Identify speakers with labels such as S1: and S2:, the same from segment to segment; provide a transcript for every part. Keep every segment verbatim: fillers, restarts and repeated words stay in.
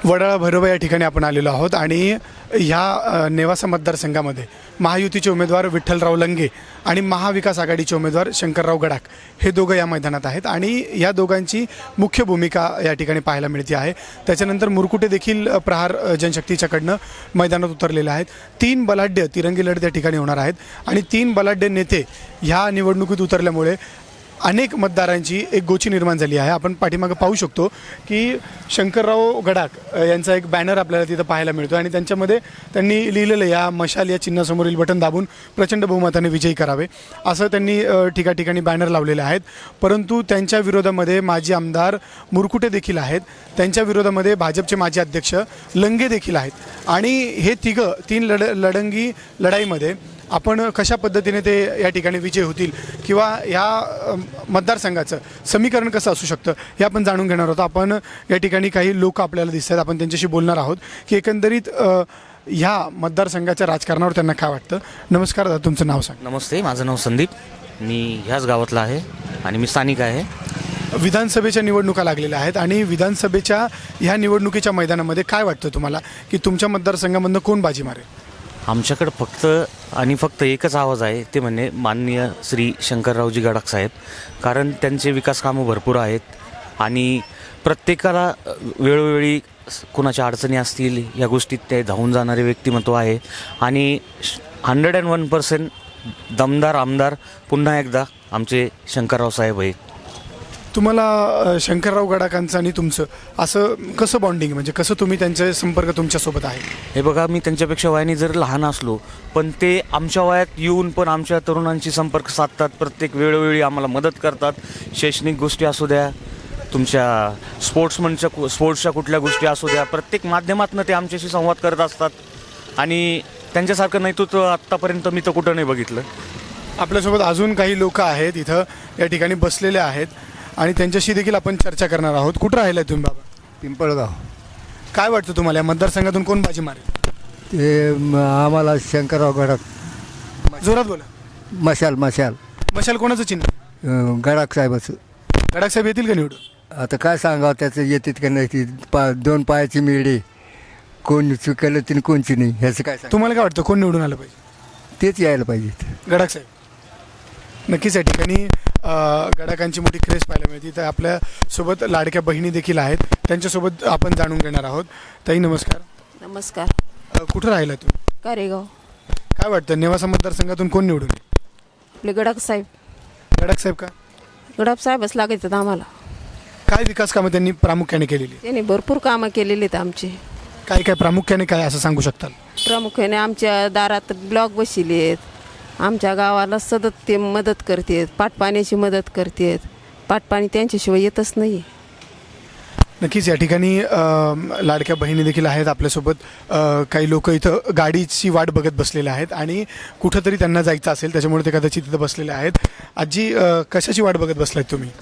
S1: वडाळा भैरोबा या ठिकाणी आपण आलेलो आहोत आणि ह्या नेवासा मतदारसंघामध्ये महायुतीचे उमेदवार विठ्ठलराव लंगे आणि महाविकास आघाडीचे उमेदवार शंकरराव गडाख हे दोघं या मैदानात आहेत आणि या दोघांची मुख्य भूमिका या ठिकाणी पाहायला मिळते आहे। त्याच्यानंतर मुरकुटे देखील प्रहार जनशक्तीच्याकडनं मैदानात उतरलेले आहेत। तीन बलाढ्य तिरंगी लढत या ठिकाणी होणार आहेत आणि तीन बलाढ्य नेते ह्या निवडणुकीत उतरल्यामुळे अनेक मतदारांची एक गोची निर्माण झाली आहे। आपण पाठीमागे पाहू शकतो की शंकरराव गडाख यांचा एक बॅनर आपल्याला तिथं पाहायला मिळतो आणि त्यांच्यामध्ये त्यांनी लिहिलेलं या मशाल या चिन्हासमोरील बटन दाबून प्रचंड बहुमताने विजयी करावे असं त्यांनी ठिका ठिकाणी बॅनर लावलेले आहेत। परंतु त्यांच्या विरोधामध्ये माजी आमदार मुरकुटे देखील आहेत, त्यांच्या विरोधामध्ये भाजपचे माजी अध्यक्ष लंगे देखील आहेत आणि हे तिघं तीन लढ लढंगी लढाईमध्ये आपण कशा पद्धतीने ते या ठिकाणी विजय होतील किंवा या मतदारसंघाचं समीकरण कसं असू शकतं हे आपण जाणून घेणार आहोत। आपण या ठिकाणी काही लोक आपल्याला दिसतात, आपण त्यांच्याशी बोलणार आहोत की एकंदरीत ह्या मतदारसंघाच्या राजकारणावर त्यांना काय वाटतं। नमस्कार दादा, तुमचं नाव सांग।
S2: नमस्ते, माझं नाव संदीप, मी ह्याच गावातला आहे आणि मी स्थानिक आहे।
S1: विधानसभेच्या निवडणुका लागलेल्या आहेत आणि विधानसभेच्या ह्या निवडणुकीच्या मैदानामध्ये काय वाटतं तुम्हाला की तुमच्या मतदारसंघामधनं कोण बाजी मारेल?
S2: आमच्याकडं फक्त आणि फक्त एकच आवाज आहे, ते म्हणजे माननीय श्री शंकररावजी गडाख साहेब, कारण त्यांचे विकास कामं भरपूर आहेत आणि प्रत्येकाला वेळोवेळी कोणाच्या अडचणी असतील या गोष्टीत ते धावून जाणारे व्यक्तिमत्व आहे आणि हंड्रेड अँड वन पर्सेंट दमदार आमदार पुन्हा एकदा आमचे शंकरराव साहेब आहेत।
S1: तुम्हाला शंकरराव गडाखांचं आणि तुमचं असं कसं बॉन्डिंग, म्हणजे कसं तुम्ही त्यांचे संपर्क तुमच्यासोबत आहे?
S2: हे बघा, मी त्यांच्यापेक्षा वयाने जर लहान असलो पण ते आमच्या वयात येऊन पण आमच्या तरुणांशी संपर्क साधतात, प्रत्येक वेळोवेळी आम्हाला मदत करतात। शैक्षणिक गोष्टी असू द्या, तुमच्या स्पोर्ट्समनच्या स्पोर्ट्सच्या कुठल्या गोष्टी असू द्या, प्रत्येक माध्यमातून ते आमच्याशी संवाद करत असतात आणि त्यांच्यासारखं नेतृत्व आत्तापर्यंत मी तर कुठं नाही बघितलं।
S1: आपल्यासोबत अजून काही लोक आहेत इथं या ठिकाणी बसलेले आहेत आणि त्यांच्याशी देखील आपण चर्चा करणार आहोत। कुठं राहिलाय तुम्ही बाबा?
S3: पिंपळगाव।
S1: काय वाटतं तुम्हाला या मतदारसंघातून कोण बाजी मारेल?
S3: ते म- आम्हाला शंकरराव गडाख।
S1: जोरात बोला।
S3: मशाल मशाल
S1: मशाल कोणाचं चिन्ह?
S3: अं, गडाख साहेबाचं।
S1: गडाख साहेब येतील का निवडून?
S3: आता काय सांगावं, त्याचं येतात का नाही ती पा दोन पायाची मिळी, कोण चुकलं तिने कोणची नाही, ह्याचं काय सांग,
S1: तुम्हाला काय वाटतं कोण निवडून आलं पाहिजे?
S3: तेच यायला पाहिजे।
S1: गडाख साहेब नक्कीच या ठिकाणी गडाखांची मोठी क्रेज पाहायला मिळते। तर आपल्यासोबत लाडक्या बहिणी देखील आहेत, त्यांच्यासोबत आपण जाणून घेणार आहोत। ताई नमस्कार।
S4: नमस्कार।
S1: अ, कुठं राहिला तुम्ही?
S4: कारेगाव।
S1: काय वाटतं नेवासा मतदारसंघातून कोण निवडून येईल?
S4: आपले गडाख साहेब।
S1: गडाख साहेब का?
S4: गडाख साहेबच लागायचं आम्हाला।
S1: काय विकास कामं त्यांनी प्रामुख्याने केलेली?
S4: त्यांनी भरपूर कामं केलेली आहेत आमची।
S1: काय काय प्रामुख्याने काय असं सांगू शकताल?
S4: प्रामुख्याने आमच्या दारात ब्लॉक बसवले आहेत, आमच्या गावाला सतत ते मदत करतात, पाटपाण्याची मदत करतात। पाटपाणी त्यांच्याशिवाय येतच नाही।
S1: नक्कीच या ठिकाणी अ, लाडक्या बहिणी देखील आहेत आपल्यासोबत। अ, काही लोक इथं गाडीची वाट बघत बसलेले आहेत आणि कुठंतरी त्यांना जायचं असेल त्याच्यामुळे ते कदाचित तिथं बसलेले आहेत। आजी अ, कशाची वाट बघत बसलात तुम्ही?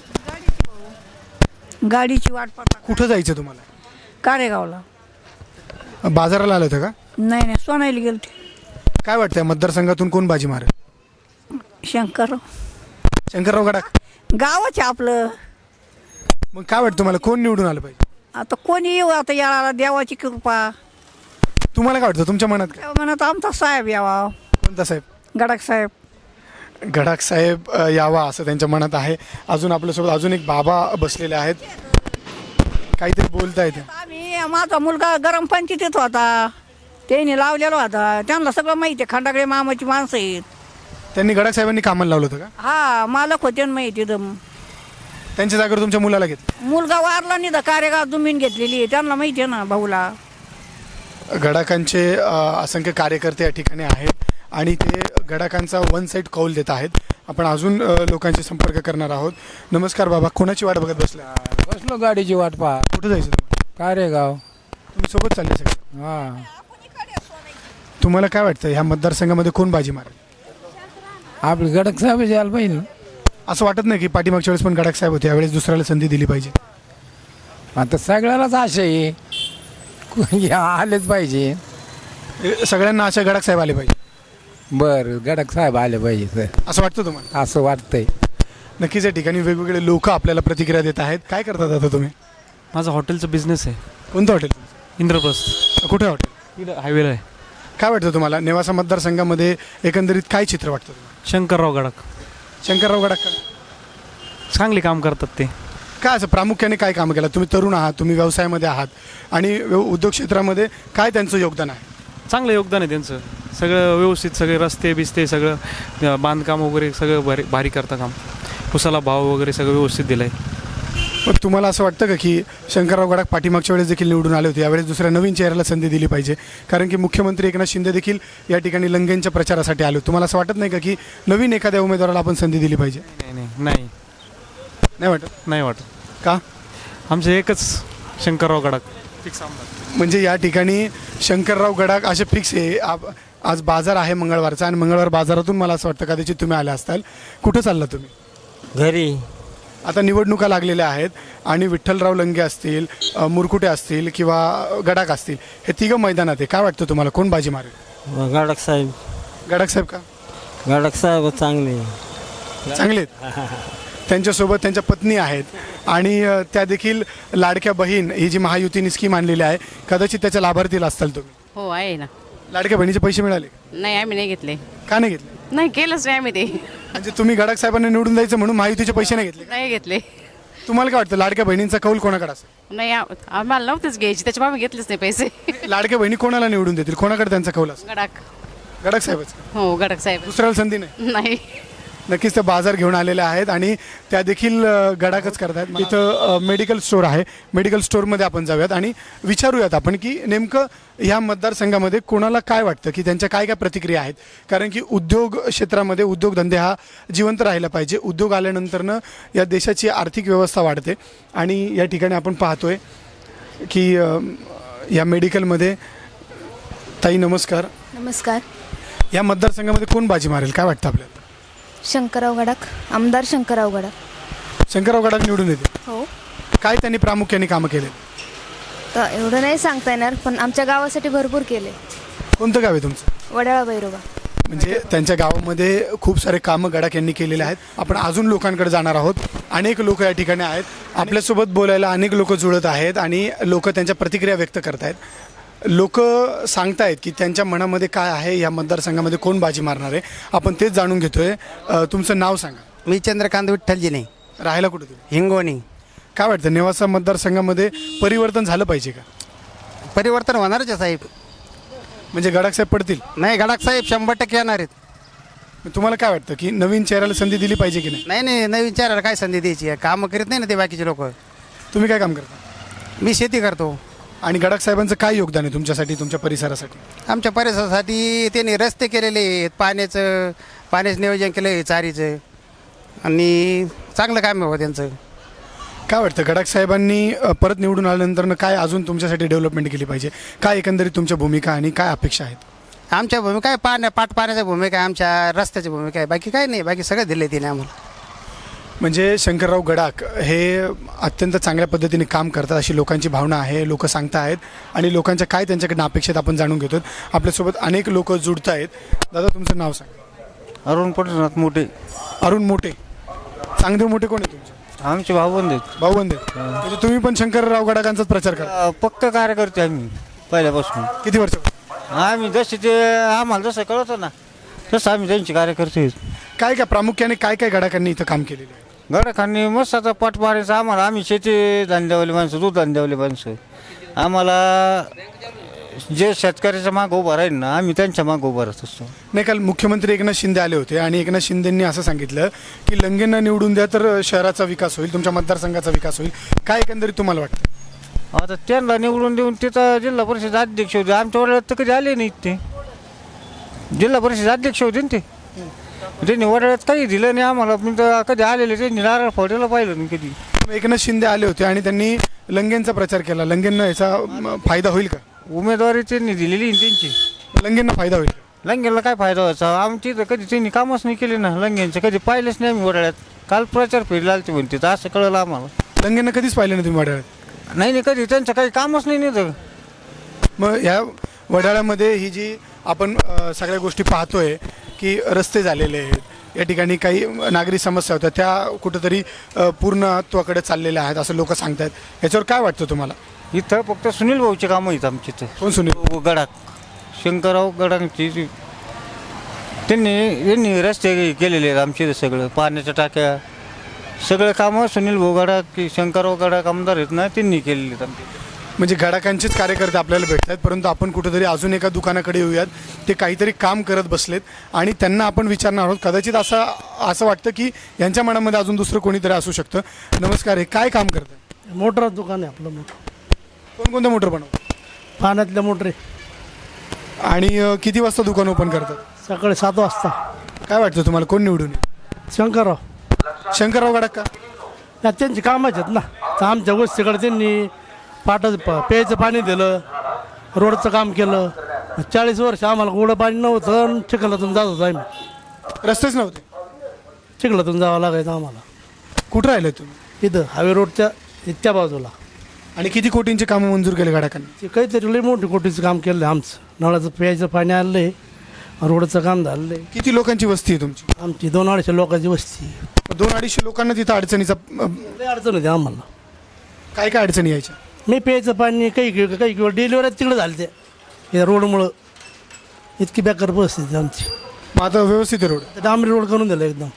S5: गाडीची वाट पाहता।
S1: कुठं जायचं तुम्हाला?
S5: कारेगावला।
S1: बाजाराला आलं होतं का?
S5: नाही नाही, सोनायला गेलते।
S1: काय वाटतं मतदारसंघातून कोण बाजी मारेल?
S5: शंकर
S1: शंकरराव गडाख।
S5: गावाचे आपलं।
S1: मग काय वाटतं तुम्हाला कोण निवडून आलं पाहिजे?
S5: आता कोणी येऊ, आता याला देवाची कृपा।
S1: तुम्हाला काय वाटतं तुमच्या मनात काय?
S5: म्हणत आमचा साहेब यावा।
S1: कोणता साहेब?
S5: गडाख साहेब।
S1: गडाख साहेब अ, यावा असं त्यांच्या मनात आहे। अजून आपल्यासोबत अजून एक बाबा बसलेले आहेत, काहीतरी बोलता येते।
S5: आम्ही माझा मुलगा गरम पंचायतीत होता, त्यांनी लावलेला होता, त्यांना सगळं माहिती आहे, खंडाकडे मामाची माणसं आहेत।
S1: त्यांनी गडाख साहेबांनी कामाला लावलं होतं का?
S5: हा, मालक होते ना माहिती दम।
S1: त्यांच्या जागेवर तुमच्या मुलाला घेतलं?
S5: मुलगा वारला नाही तर कारेगाव जमीन घेतलेली आहे, त्यांना माहिती आहे ना भाऊला।
S1: गडाखांचे अ, असंख्य कार्यकर्ते या ठिकाणी आहेत आणि ते गडाखांचा वन साईड कौल देत आहेत। आपण अजून अ, लोकांशी संपर्क करणार आहोत। नमस्कार बाबा, कोणाची वाट बघत बसला?
S6: बसलो गाडीची वाट पहा।
S1: कुठं जायचं तुम्हाला?
S6: कारेगाव।
S1: तुम्ही सोबत चालले सगळे?
S6: हा,
S1: तुम्हाला काय वाटतं ह्या मतदारसंघामध्ये कोण बाजी मारेल?
S6: आपले गडाख साहेब यायला पाहिजे।
S1: असं वाटत नाही की पाठीमागच्या वेळेस पण गडाख साहेब होते, यावेळेस दुसऱ्याला संधी दिली पाहिजे?
S6: आता सगळ्यालाच आशा आहे, कोणी आलेच पाहिजे।
S1: ए, सगळ्यांना अशा गडाख साहेब आले पाहिजे?
S6: बरं, गडाख साहेब आले पाहिजे सर,
S1: असं वाटतं तुम्हाला?
S6: असं वाटतंय।
S1: नक्कीच या ठिकाणी वेगवेगळे लोक आपल्याला प्रतिक्रिया देत आहेत। काय करतात आता तुम्ही?
S7: माझा हॉटेलचा बिझनेस आहे।
S1: कोणतं हॉटेल?
S7: इंद्रप्रस्थ
S1: कुठे हॉटेल?
S7: इथं हायवेला आहे.
S1: काय वाटतं तुम्हाला नेवासा मतदारसंघामध्ये एकंदरीत काय चित्र वाटतं तुम्हाला?
S7: शंकरराव गडाख
S1: शंकरराव गडाख का?
S7: चांगले काम करतात ते.
S1: काय असं प्रामुख्याने काय कामं केलं? तुम्ही तरुण आहात, तुम्ही व्यवसायामध्ये आहात आणि व्यव- उद्योग क्षेत्रामध्ये काय त्यांचं योगदान आहे?
S7: चांगलं योगदान आहे त्यांचं. सगळं व्यवस्थित, सगळे रस्ते बिस्ते सगळं अं, बांधकाम वगैरे सगळं भारी भारी करतं काम. उसाला भाव वगैरे सगळं व्यवस्थित दिलं आहे.
S1: मग तुम्हाला असं वाटतं का की शंकरराव गडाख पाठीमागच्या वेळेस देखील निवडून आले होते, यावेळेस दुसऱ्या नवीन चेहऱ्याला संधी दिली पाहिजे? कारण की मुख्यमंत्री एकनाथ शिंदे देखील या ठिकाणी लंगेंच्या प्रचारासाठी आले होते. तुम्हाला असं वाटत नाही का की नवीन एखाद्या उमेदवाराला आपण संधी दिली पाहिजे?
S7: नाही नाही नाही
S1: नाही वाटत
S7: नाही वाटत.
S1: का?
S7: आमचे एकच शंकरराव गडाख फिक्स आमदार.
S1: म्हणजे या ठिकाणी शंकरराव गडाख असे फिक्स आहे. आप- आज बाजार आहे मंगळवारचा आणि मंगळवार बाजारातून मला असं वाटतं कदाचित तुम्ही आले असताल. कुठं चालला तुम्ही?
S8: घरी.
S1: आता निवडणुका लागलेल्या आहेत आणि विठ्ठलराव लंगे असतील, अ, मुरकुटे असतील किंवा गडाख असतील, हे तिघं मैदानात आहे. काय वाटतं तुम्हाला कोण बाजी मारेल?
S8: गाडक साहेब.
S1: गडाख साहेब का?
S8: गाडक साहेब चांगले.
S1: चांगले आहेत. त्यांच्यासोबत त्यांच्या पत्नी आहेत आणि अ, त्या देखील लाडक्या बहीण ही जी महायुतीने स्कीम आणलेली आहे, कदाचित त्याच्या लाभार्थीला असताल तुम्ही.
S9: हो आहे ना.
S1: लाडक्या बहिणीचे पैसे मिळाले?
S9: नाही आम्ही नाही घेतले.
S1: का नाही घेतले?
S9: नाही केलंच नाही आम्ही ते.
S1: म्हणजे तुम्ही गडाख साहेबांना निवडून द्यायचं म्हणून महायुतीचे पैसे नाही घेतले?
S9: नाही घेतले.
S1: तुम्हाला काय वाटतं लाडक्या बहिणींचा कौल कोणाकडे असेल?
S9: नाही आ- आम्हाला नव्हतेच घ्यायची, त्याच्यामुळे आम्ही घेतलेच नाही पैसे.
S1: लाडक्या बहिणी कोणाला निवडून देतील? कोणाकडे त्यांचा कौल असेल?
S9: गडाख.
S1: गडाख साहेबच.
S9: हो गडाख साहेब.
S1: दुसऱ्याला संधी नाही.
S9: नाही.
S1: नक्कीच ते बाजार घेऊन आलेले आहेत आणि त्या देखील अ, गडाखच करतायत. इथं अ, मेडिकल स्टोअर आहे. मेडिकल स्टोअरमध्ये आपण जाऊयात आणि विचारूयात आपण की नेमकं ह्या मतदारसंघामध्ये कोणाला काय वाटतं, की त्यांच्या काय काय प्रतिक्रिया आहेत. कारण की उद्योग क्षेत्रामध्ये उद्योगधंदे हा जिवंत राहिला पाहिजे. उद्योग आल्यानंतरनं या देशाची आर्थिक व्यवस्था वाढते आणि या ठिकाणी आपण पाहतोय की अ, या मेडिकलमध्ये ताई नमस्कार.
S10: नमस्कार.
S1: या मतदारसंघामध्ये कोण बाजी मारेल काय वाटतं आपल्याला?
S10: शंकरराव गडाख. आमदार शंकरराव गडाख.
S1: शंकरराव गडाख निवडून येते.
S10: हो.
S1: काय त्यांनी प्रामुख्याने कामं केले?
S10: तर एवढं नाही सांगता येणार, पण आमच्या गावासाठी भरपूर केले.
S1: कोणतं गाव आहे तुमचं?
S10: वडाळा भैरोबा.
S1: म्हणजे त्यांच्या गावामध्ये खूप सारे कामं गडाख यांनी केलेले आहेत. आपण अजून लोकांकडे जाणार आहोत. अनेक लोक या ठिकाणी आहेत. आपल्यासोबत बोलायला अनेक लोक जुळत आहेत आणि लोक त्यांच्या प्रतिक्रिया व्यक्त करत आहेत. लोक सांगतायत की त्यांच्या मनामध्ये काय आहे, या मतदारसंघामध्ये कोण बाजी मारणार आहे. आपण तेच जाणून घेतोय. अ, तुमचं नाव सांगा.
S8: मी चंद्रकांत विठ्ठलजी नाही.
S1: राहायला कुठे तुम्ही?
S8: हिंगोणी.
S1: काय वाटतं नेवासा मतदारसंघामध्ये परिवर्तन झालं पाहिजे का?
S8: परिवर्तन होणारच आहे साहेब.
S1: म्हणजे गडाख साहेब पडतील?
S8: नाही गडाख साहेब शंभर टक्के येणार आहेत.
S1: तुम्हाला काय वाटतं की नवीन चेहऱ्याला संधी दिली पाहिजे की नाही?
S8: नाही नाही नवीन चाराला काय संधी द्यायची आहे? कामं करीत नाही ना ते बाकीचे लोक.
S1: तुम्ही काय काम करता?
S8: मी शेती करतो.
S1: आणि गडाख साहेबांचं काय योगदान आहे तुमच्यासाठी, तुमच्या परिसरासाठी?
S8: आमच्या परिसरासाठी त्यांनी रस्ते केलेले आहेत, पाण्याचं पाण्याचं नियोजन केलं आहे, चारीचं, आणि चांगलं काम आहे त्यांचं.
S1: काय वाटतं गडाख साहेबांनी अ, परत निवडून आल्यानंतर काय अजून तुमच्यासाठी डेव्हलपमेंट केली पाहिजे? काय एकंदरीत तुमच्या भूमिका आणि काय अपेक्षा आहेत?
S8: आमच्या भूमिका आहे पाण्या पाट पाण्याच्या भूमिका आहे, आमच्या रस्त्याची भूमिका आहे, बाकी काय नाही. बाकी सगळं दिलं आहे तिने आम्हाला.
S1: म्हणजे शंकरराव गडाख हे अत्यंत चांगल्या पद्धतीने काम करतात अशी लोकांची भावना आहे. लोक सांगत आहेत आणि लोकांच्या काय त्यांच्याकडनं अपेक्षित आपण जाणून घेतो. आपल्यासोबत अनेक लोक जुडत आहेत. दादा तुमचं नाव सांगा.
S8: अरुण पटनाथ मोठे.
S1: अरुण मोठे. चांगदेव मोठे कोण आहे तुमचे?
S8: आमचे भाऊबंद आहेत.
S1: भाऊबंद आहेत. म्हणजे तुम्ही पण शंकरराव गडाखांचाच प्रचार करा?
S8: पक्क कार्यकर्ते आम्ही पहिल्यापासून.
S1: किती वर्ष?
S8: आम्ही जसे ते आम्हाला जसं कळतं ना तसं आम्ही त्यांचे कार्यकर्ते आहेत.
S1: काय काय प्रामुख्याने काय काय गडाखांनी इथं काम केलेलं आहे?
S8: गडाखांनी मस्त आता पाठ मारायचं आम्हाला. आम्ही शेती धंद्यावाली माणसं, दूध धंद्यावाली माणसं. आम्हाला जे शेतकऱ्याच्या मागं उभं राहील ना आम्ही त्यांच्या मागं उभं राहत असतो.
S1: नाही, काल मुख्यमंत्री एकनाथ शिंदे आले होते आणि एकनाथ शिंदेंनी असं सांगितलं की लंगेंना निवडून द्या तर शहराचा विकास होईल, तुमच्या मतदारसंघाचा विकास होईल. काय एकंदरीत तुम्हाला वाटतं?
S8: आता त्यांना निवडून देऊन तिथं जिल्हा परिषद अध्यक्ष होते. आमच्या वडिलात तर कधी आले नाहीत ते. जिल्हा परिषद अध्यक्ष होते ना ते. त्यांनी वडिलात काही दिलं नाही आम्हाला. पण तर कधी आलेले त्यांनी नारळ फोडायला पाहिलं नाही कधी.
S1: एकनाथ शिंदे आले होते आणि त्यांनी लंगेंचा प्रचार केला. लंगेंना याचा म, फायदा होईल का?
S8: उमेदवारी त्यांनी दिलेली आहे त्यांची.
S1: लंगेंना फायदा होईल?
S8: लंगेला काय फायदा व्हायचा? आमची तर कधी त्यांनी कामच नाही केले ना. लंगेंचं कधी पाहिलंच नाही आम्ही वडाळ्यात. काल प्रचार फेरी आलती म्हणते तर असं कळलं आम्हाला.
S1: लंगेंना कधीच पाहिलं नाही तुम्ही वडाळ्यात?
S8: नाही नाही कधी त्यांचं काही कामच नाही नाही तर.
S1: मग ह्या वडाळ्यामध्ये ही जी आपण अ, सगळ्या गोष्टी पाहतोय की रस्ते झालेले आहेत, या ठिकाणी काही नागरी समस्या होत्या त्या कुठंतरी अ, पूर्णत्वाकडे चाललेल्या आहेत असं लोक सांगतात. याच्यावर काय वाटतं तुम्हाला?
S8: इथं फक्त सुनील भाऊचे कामं आहेत आमचे इथं
S1: कोण सुनील?
S8: गडाख शंकरराव गडांची जी- त्यांनी त्यांनी रस्ते केलेले आहेत आमचे इथं सगळं पाण्याच्या टाक्या सगळं कामं सुनील भाऊ गडाख की शंकरराव गडाख आमदार आहेत ना त्यांनी केलेले आहेत आमचे.
S1: म्हणजे गडाकांचेच कार्यकर्ते आपल्याला भेटत आहेत, परंतु आपण कुठेतरी अजून एका दुकानाकडे येऊयात. ते काहीतरी काम करत बसलेत आणि त्यांना आपण विचारणार आहोत. कदाचित असं असं वाटतं की यांच्या मनामध्ये अजून दुसरं कोणीतरी असू शकतं. नमस्कार, हे काय काम करतं?
S11: मोटर दुकान आहे आपलं मोठं,
S1: कोणकोणते मोटर बनवतात
S11: पाण्यातल्या मोटरी.
S1: आणि अं, किती वाजता दुकान ओपन करतात?
S11: सकाळी सात वाजता.
S1: काय वाटतं तुम्हाला, कोण निवडून येईल?
S11: शंकरराव.
S1: शंकरराव गडाख का?
S11: नाही, त्यांची कामच आहेत ना. तर आमच्या गोष्टीकडे त्यांनी पाटाचं प प्यायचं पाणी दिलं, रोडचं काम केलं. चाळीस वर्ष आम्हाला गोडं पाणी नव्हतं आणि चिखलातून जात होतो आम्ही.
S1: रस्तेच नव्हते,
S11: चिखलातून जावं लागायचं आम्हाला.
S1: कुठं राहिले तुम्ही?
S11: इथं हायवे रोडच्या इतक्या बाजूला.
S1: आणि किती कोटींचे कामं मंजूर केले गडाकांनी?
S11: ते काहीतरी लई मोठी कोटीचं काम केलं आहे आमचं. नळाचं प्यायचं पाणी आणलं आहे, रोडचं काम झालं आहे.
S1: किती लोकांची वस्ती आहे तुमची?
S11: आमची दोन अडीचशे लोकांची वस्ती आहे.
S1: दोन अडीचशे लोकांना तिथं अडचणीचा अं,
S11: लई अडचण होती आम्हाला.
S1: काय काय अडचणी यायच्या?
S11: मी प्यायचं पाणी काही काही काही किंवा डिलिव्हरी तिकडे झाली ते या रोडमुळं. इतकी बेकार परिस्थिती आमची.
S1: मग आता व्यवस्थित आहे रोड?
S11: तर डांबरी रोड करून दिलं एकदम.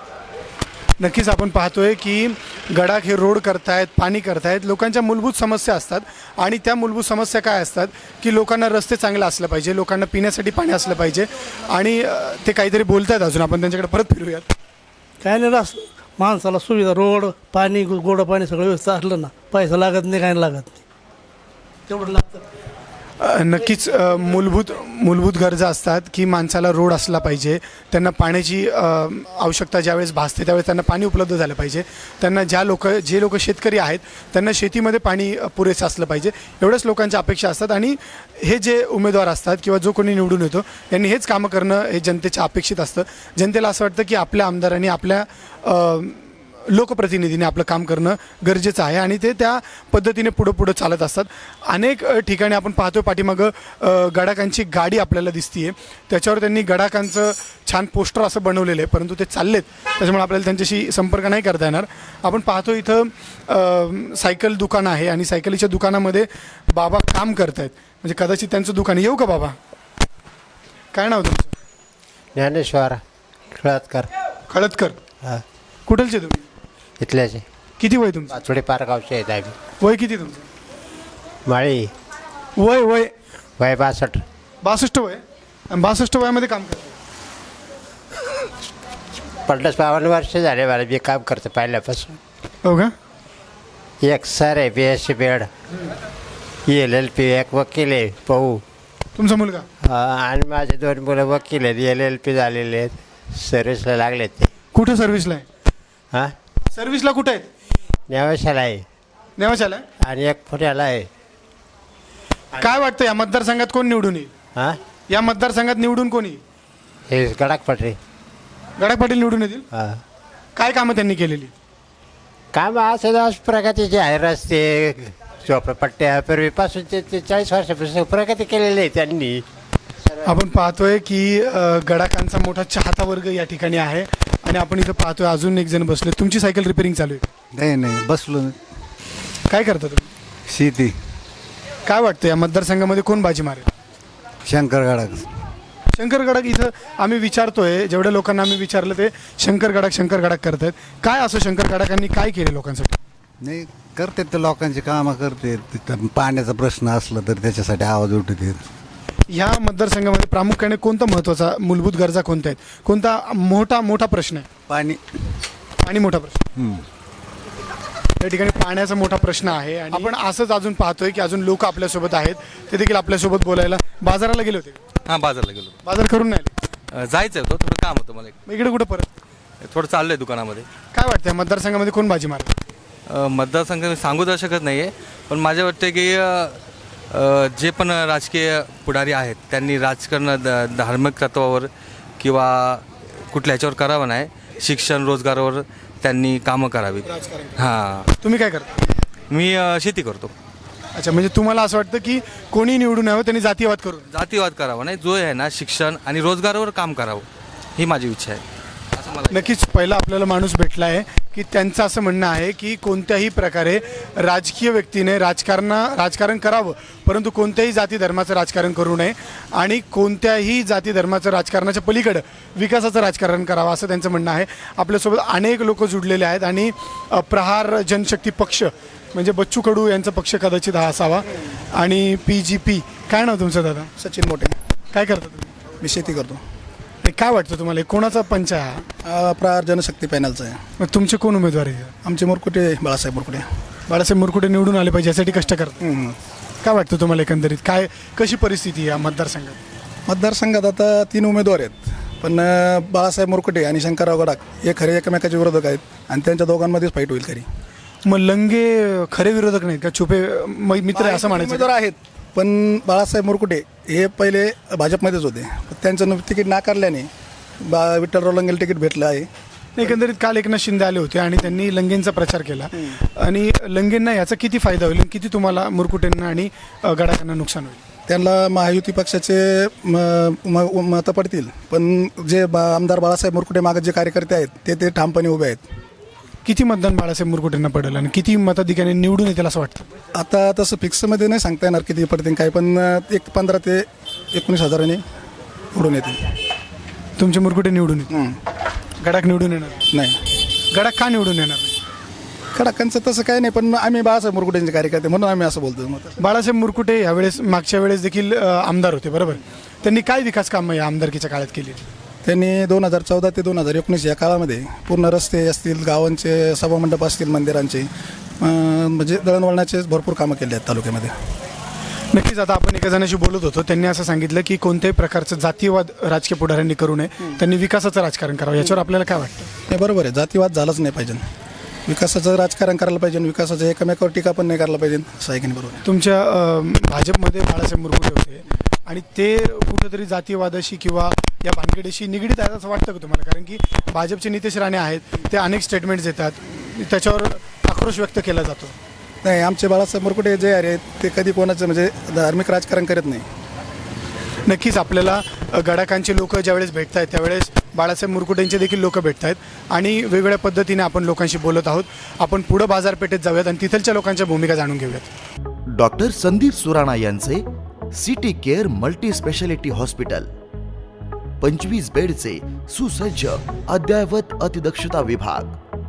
S1: नक्कीच आपण पाहतोय की गडाख हे रोड करतायत, पाणी करतायत. लोकांच्या मूलभूत समस्या असतात आणि त्या मूलभूत समस्या काय असतात की लोकांना रस्ते चांगले असले पाहिजे, लोकांना पिण्यासाठी पाणी असलं पाहिजे. आणि अं, ते काहीतरी बोलतायत अजून, आपण त्यांच्याकडे परत फिरूयात.
S11: काय नाही, रस माणसाला सुविधा, रोड पाणी गोडं पाणी सगळं व्यवस्था असलं ना, पैसा लागत नाही, काय लागत नाही, तेवढं लागतं.
S1: अं, नक्कीच अं, मूलभूत मूलभूत गरजा असतात की माणसाला रोड असला पाहिजे, त्यांना पाण्याची अं, आवश्यकता ज्यावेळेस भासते त्यावेळेस त्यांना पाणी उपलब्ध झालं पाहिजे. त्यांना ज्या लोक जे लोक शेतकरी आहेत त्यांना शेतीमध्ये पाणी अं, पुरेसं असलं पाहिजे, एवढ्याच लोकांच्या अपेक्षा असतात. आणि हे जे उमेदवार असतात किंवा जो कोणी निवडून येतो यांनी हेच कामं करणं हे जनतेच्या अपेक्षित असतं. जनतेला असं वाटतं की आपल्या आमदारांनी, आपल्या अं, लोकप्रतिनिधीने आपलं काम करणं गरजेचं आहे आणि ते त्या पद्धतीने पुढं पुढं चालत असतात. अनेक अ, ठिकाणी आपण पाहतो पाठीमागं अ, गडाकांची गाडी आपल्याला दिसतीये, त्याच्यावर त्यांनी गडाकांचं छान पोस्टर असं बनवलेलं आहे, परंतु ते चाललेत त्याच्यामुळे आपल्याला त्यांच्याशी संपर्क नाही करता येणार. आपण पाहतो इथं अ, सायकल दुकान आहे आणि सायकलीच्या दुकानामध्ये बाबा काम करत आहेत, म्हणजे कदाचित त्यांचं दुकान. येऊ का बाबा? काय नाव तुमचं?
S12: ज्ञानेश्वर खळदकर.
S1: खळदकर.
S12: हां,
S1: कुठलचे तुम्ही?
S12: इथल्याचे.
S1: किती वय तुमचं?
S12: पाचोडे पारगावचे आहेत आम्ही.
S1: वय किती तुमचं?
S12: माळी.
S1: वय वय
S12: वय बासष्ट.
S1: बासष्ट वय. आणि बासष्ट वयामध्ये काम करतो.
S12: पन्नास बावन्न वर्ष झाले मला मी काम करतो पहिल्यापासून.
S1: हो का?
S12: एक सर आहे B S C BEd, L L B, एक वकील आहे पाहू.
S1: तुमचा मुलगा?
S12: आणि माझे दोन मुलं वकील आहेत, एल एल पी झालेले आहेत, सर्व्हिसला लागलेत ते.
S1: कुठं सर्व्हिसला आहे?
S12: हां,
S1: सर्व्हिसला कुठं आहेत?
S12: नेवाशाला आहे
S1: नेवाशाला आहे.
S12: आणि एक पुण्याला आहे.
S1: काय वाटतं या मतदारसंघात कोण निवडून येईल?
S12: हां,
S1: या मतदारसंघात निवडून कोण येईल?
S12: हे गडाख पटरे.
S1: गडाख पाटील निवडून येतील.
S12: हां,
S1: काय कामं त्यांनी केलेली?
S12: काम असं प्रगतीचे आहे, रस्ते, झोपडपट्ट्या, पूर्वीपासून ते ते चाळीस वर्षापासून प्रगती केलेली आहे त्यांनी.
S1: आपण पाहतोय की अ, गडाकांचा मोठा चाहता वर्ग या ठिकाणी आहे आणि आपण इथं पाहतोय अजून एक जण बसले. तुमची सायकल रिपेअरिंग चालू आहे?
S3: नाही नाही, बसलो.
S1: काय करता तुम्ही?
S3: शेती.
S1: काय वाटतं या मतदारसंघामध्ये कोण बाजी मारेल?
S3: शंकर गडाख.
S1: शंकर गडाख. इथं आम्ही विचारतोय, जेवढ्या लोकांना आम्ही विचारलं ते शंकर गडाख शंकर गडाख करतायत. काय असं शंकर गडाखांनी काय केले लोकांसाठी?
S3: नाही, करतात ते लोकांची कामं करते. तिथं पाण्याचा प्रश्न असला तर त्याच्यासाठी आवाज उठते.
S1: ह्या मतदारसंघामध्ये प्रामुख्याने कोणता महत्त्वाचा मूलभूत गरजा कोणत्या आहेत? कोणता मोठा मोठा प्रश्न आहे?
S3: पाणी.
S1: पाणी मोठा प्रश्न. या ठिकाणी पाण्याचा मोठा प्रश्न आहे आणि आपण असंच अजून पाहतोय की अजून लोक आपल्यासोबत आहेत, ते देखील आपल्यासोबत बोलायला. बाजाराला गेले होते?
S13: हां, बाजारला गेलो.
S1: बाजार करून नाही आले?
S13: जायचं होतं, थोडं काम होतं मला.
S1: मग इकडे कुठं परत?
S13: थोडं चाललं आहे दुकानामध्ये.
S1: काय वाटतं मतदारसंघामध्ये कोण बाजी मारते?
S13: मतदारसंघ मी सांगू तर शकत नाही आहे, पण माझ्या वाटते की अ, जे पण राजकीय पुढारी आहेत त्यांनी राजकारण द धार्मिक तत्वावर किंवा कुठल्या ह्याच्यावर करावं नाही, शिक्षण रोजगारावर त्यांनी कामं करावीत. हां.
S1: तुम्ही काय करता?
S13: मी अ, शेती करतो.
S1: अच्छा, म्हणजे तुम्हाला असं वाटतं की कोणी निवडून यावं त्यांनी जातीयवाद करून?
S13: जातीवाद करावा नाही, जो आहे ना शिक्षण आणि रोजगारावर काम करावं ही माझी इच्छा आहे. असं मला
S1: नक्कीच पहिला आपल्याला माणूस भेटला आहे की त्यांचं असं म्हणणं आहे की कोणत्याही प्रकारे राजकीय व्यक्तीने राजकारण राजकारण करावं, परंतु कोणत्याही जाती धर्माचं राजकारण करू नये आणि कोणत्याही जाती धर्माचं राजकारणाच्या पलीकडं विकासाचं राजकारण करावं असं त्यांचं म्हणणं आहे. आपल्यासोबत अनेक लोक जुडलेले आहेत आणि अ, प्रहार जनशक्ती पक्ष म्हणजे बच्चू कडू यांचा पक्ष कदाचित हा असावा आणि पी जी पी. काय नाव तुमचं दादा?
S14: सचिन मोठे.
S1: काय करता तुम्ही?
S14: मी शेती करतो.
S1: नाही, काय वाटतं तुम्हाला कोणाचा पंच आहे हा?
S14: अ, प्रहार जनशक्ती पॅनलचा आहे.
S1: मग तुमचे कोण उमेदवार आहे?
S14: आमचे मुरकुटे बाळासाहेब मुरकुटे.
S1: बाळासाहेब मुरकुटे निवडून आले पाहिजे यासाठी कष्ट करतात.
S14: हम्म.
S1: काय वाटतं तुम्हाला एकंदरीत काय कशी परिस्थिती आहे या मतदारसंघात?
S14: मतदारसंघात आता तीन उमेदवार आहेत, पण अ, बाळासाहेब मुरकुटे आणि शंकरराव गडाख हे खरे एकमेकाचे विरोधक आहेत आणि त्यांच्या दोघांमध्येच फाईट होईल खरी.
S1: मग लंगे खरे विरोधक नाहीत का? छुपे म- मित्र आहे असं म्हणायचं?
S14: उमेदवार आहेत, पण बाळासाहेब मुरकुटे हे पहिले भाजपमध्येच होते. त्यांचं तिकीट नाकारल्याने बा विठ्ठलराव लंगेला तिकीट भेटलं आहे.
S1: एकंदरीत काल एकनाथ शिंदे आले होते आणि त्यांनी लंगेंचा प्रचार केला आणि लंगेंना याचा किती फायदा होईल, किती तुम्हाला मुरकुटेंना आणि अ, गडाखांना नुकसान होईल?
S14: त्यांना महायुती पक्षाचे म- म- मतं पडतील, पण जे बा आमदार बाळासाहेब मुरकुटे मागत जे कार्यकर्ते आहेत ते ते ठामपणे उभे आहेत.
S1: किती मतदान बाळासाहेब मुरकुटेंना पडेल आणि किती मताधिकाऱ्यांनी निवडून येतील असं वाटतं?
S14: आता तसं फिक्समध्ये नाही सांगता येणार किती पडतील काय, पण एक पंधरा ते एकोणीस हजारांनी उडून येतील.
S1: तुमचे मुरकुटे निवडून येतील?
S14: हं.
S1: गडाख निवडून येणार
S14: नाही,
S1: गडाख का निवडून येणार नाही?
S14: खडाकांचं तसं काही नाही, पण आम्ही बाळासाहेब मुरकुटेंचे कार्यकर्ते म्हणून आम्ही असं बोलतो. मग
S1: बाळासाहेब मुरकुटे यावेळेस मागच्या वेळेस देखील अ, आमदार होते बरोबर. त्यांनी काय विकास कामं या आमदारकीच्या काळात केली?
S14: त्यांनी दोन हजार चौदा ते दोन हजार एकोणीस या काळामध्ये पूर्ण रस्ते असतील, गावांचे सभामंडप असतील, मंदिरांचे अं, म्हणजे दळणवळणाचे भरपूर कामं केली आहेत तालुक्यामध्ये.
S1: नक्कीच. आता आपण एका जणाशी बोलत होतो, त्यांनी असं सांगितलं की कोणत्याही प्रकारचं जातीयवाद राजकीय पुढाऱ्यांनी करू नये, त्यांनी विकासाचं राजकारण करावं. याच्यावर आपल्याला काय वाटतं?
S14: हे बरोबर आहे, जातीवाद झालाच नाही पाहिजे. विकासाचं राजकारण करायला पाहिजे, विकासाचं एकमेकावर टीका पण नाही करायला पाहिजे, असं आहे की नाही? बरोबर आहे.
S1: तुमच्या अ, भाजपमध्ये बाळासाहेब मुरकुटे होते आणि ते कुठेतरी जातीयवादाशी किंवा या भानगडीशी निगडीत आहेत असं वाटतं का तुम्हाला? कारण की भाजपचे नितेश राणे आहेत, ते अनेक स्टेटमेंट्स देतात, त्याच्यावर आक्रोश व्यक्त केला जातो.
S14: नाही, आमचे बाळासाहेब मुरकुटे जे आहेत ते कधी कोणाचं म्हणजे धार्मिक राजकारण करत नाही.
S1: नक्कीच आपल्याला अ, गडाखांचे लोक ज्यावेळेस भेटत आहेत त्यावेळेस बाळासाहेब मुरकुटेंचे देखील लोक भेटत आहेत आणि वेगवेगळ्या पद्धतीने आपण लोकांशी बोलत आहोत. आपण पुढं बाजारपेठेत जाऊयात आणि तिथलच्या लोकांच्या भूमिका जाणून घेऊयात.
S15: डॉक्टर संदीप सुराणा यांचे city care multi speciality hospital, पंचवीस बेडचे सुसज्ज अद्ययावत अतिदक्षता विभाग,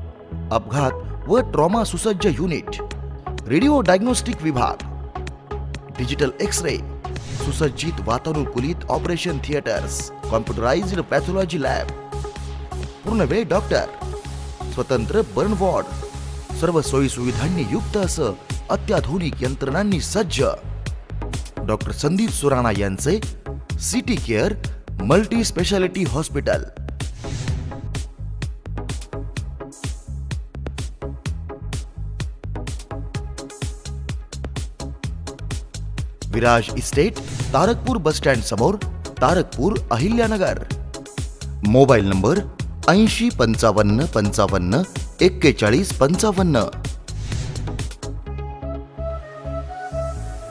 S15: अपघात व ट्रॉमा सुसज्ज युनिट, रेडिओ डायग्नोस्टिक विभाग, डिजिटल एक्स रे, सुसज्जित वातानुकूलित operation theatres, computerised pathology lab, पूर्णवेळ डॉक्टर, स्वतंत्र बर्न वॉर्ड, सर्व सोयी सुविधांनी युक्त असं अत्याधुनिक यंत्रणांनी सज्ज डॉक्टर संदीप सुराणा यांचे city care multi speciality hospital. Viraj estate, Tarakpur bus stand समोर, तारकपूर, अहिल्यानगर. मोबाईल नंबर ऐंशी पंचावन्न पंचावन्न एक्केचाळीस पंचावन्न.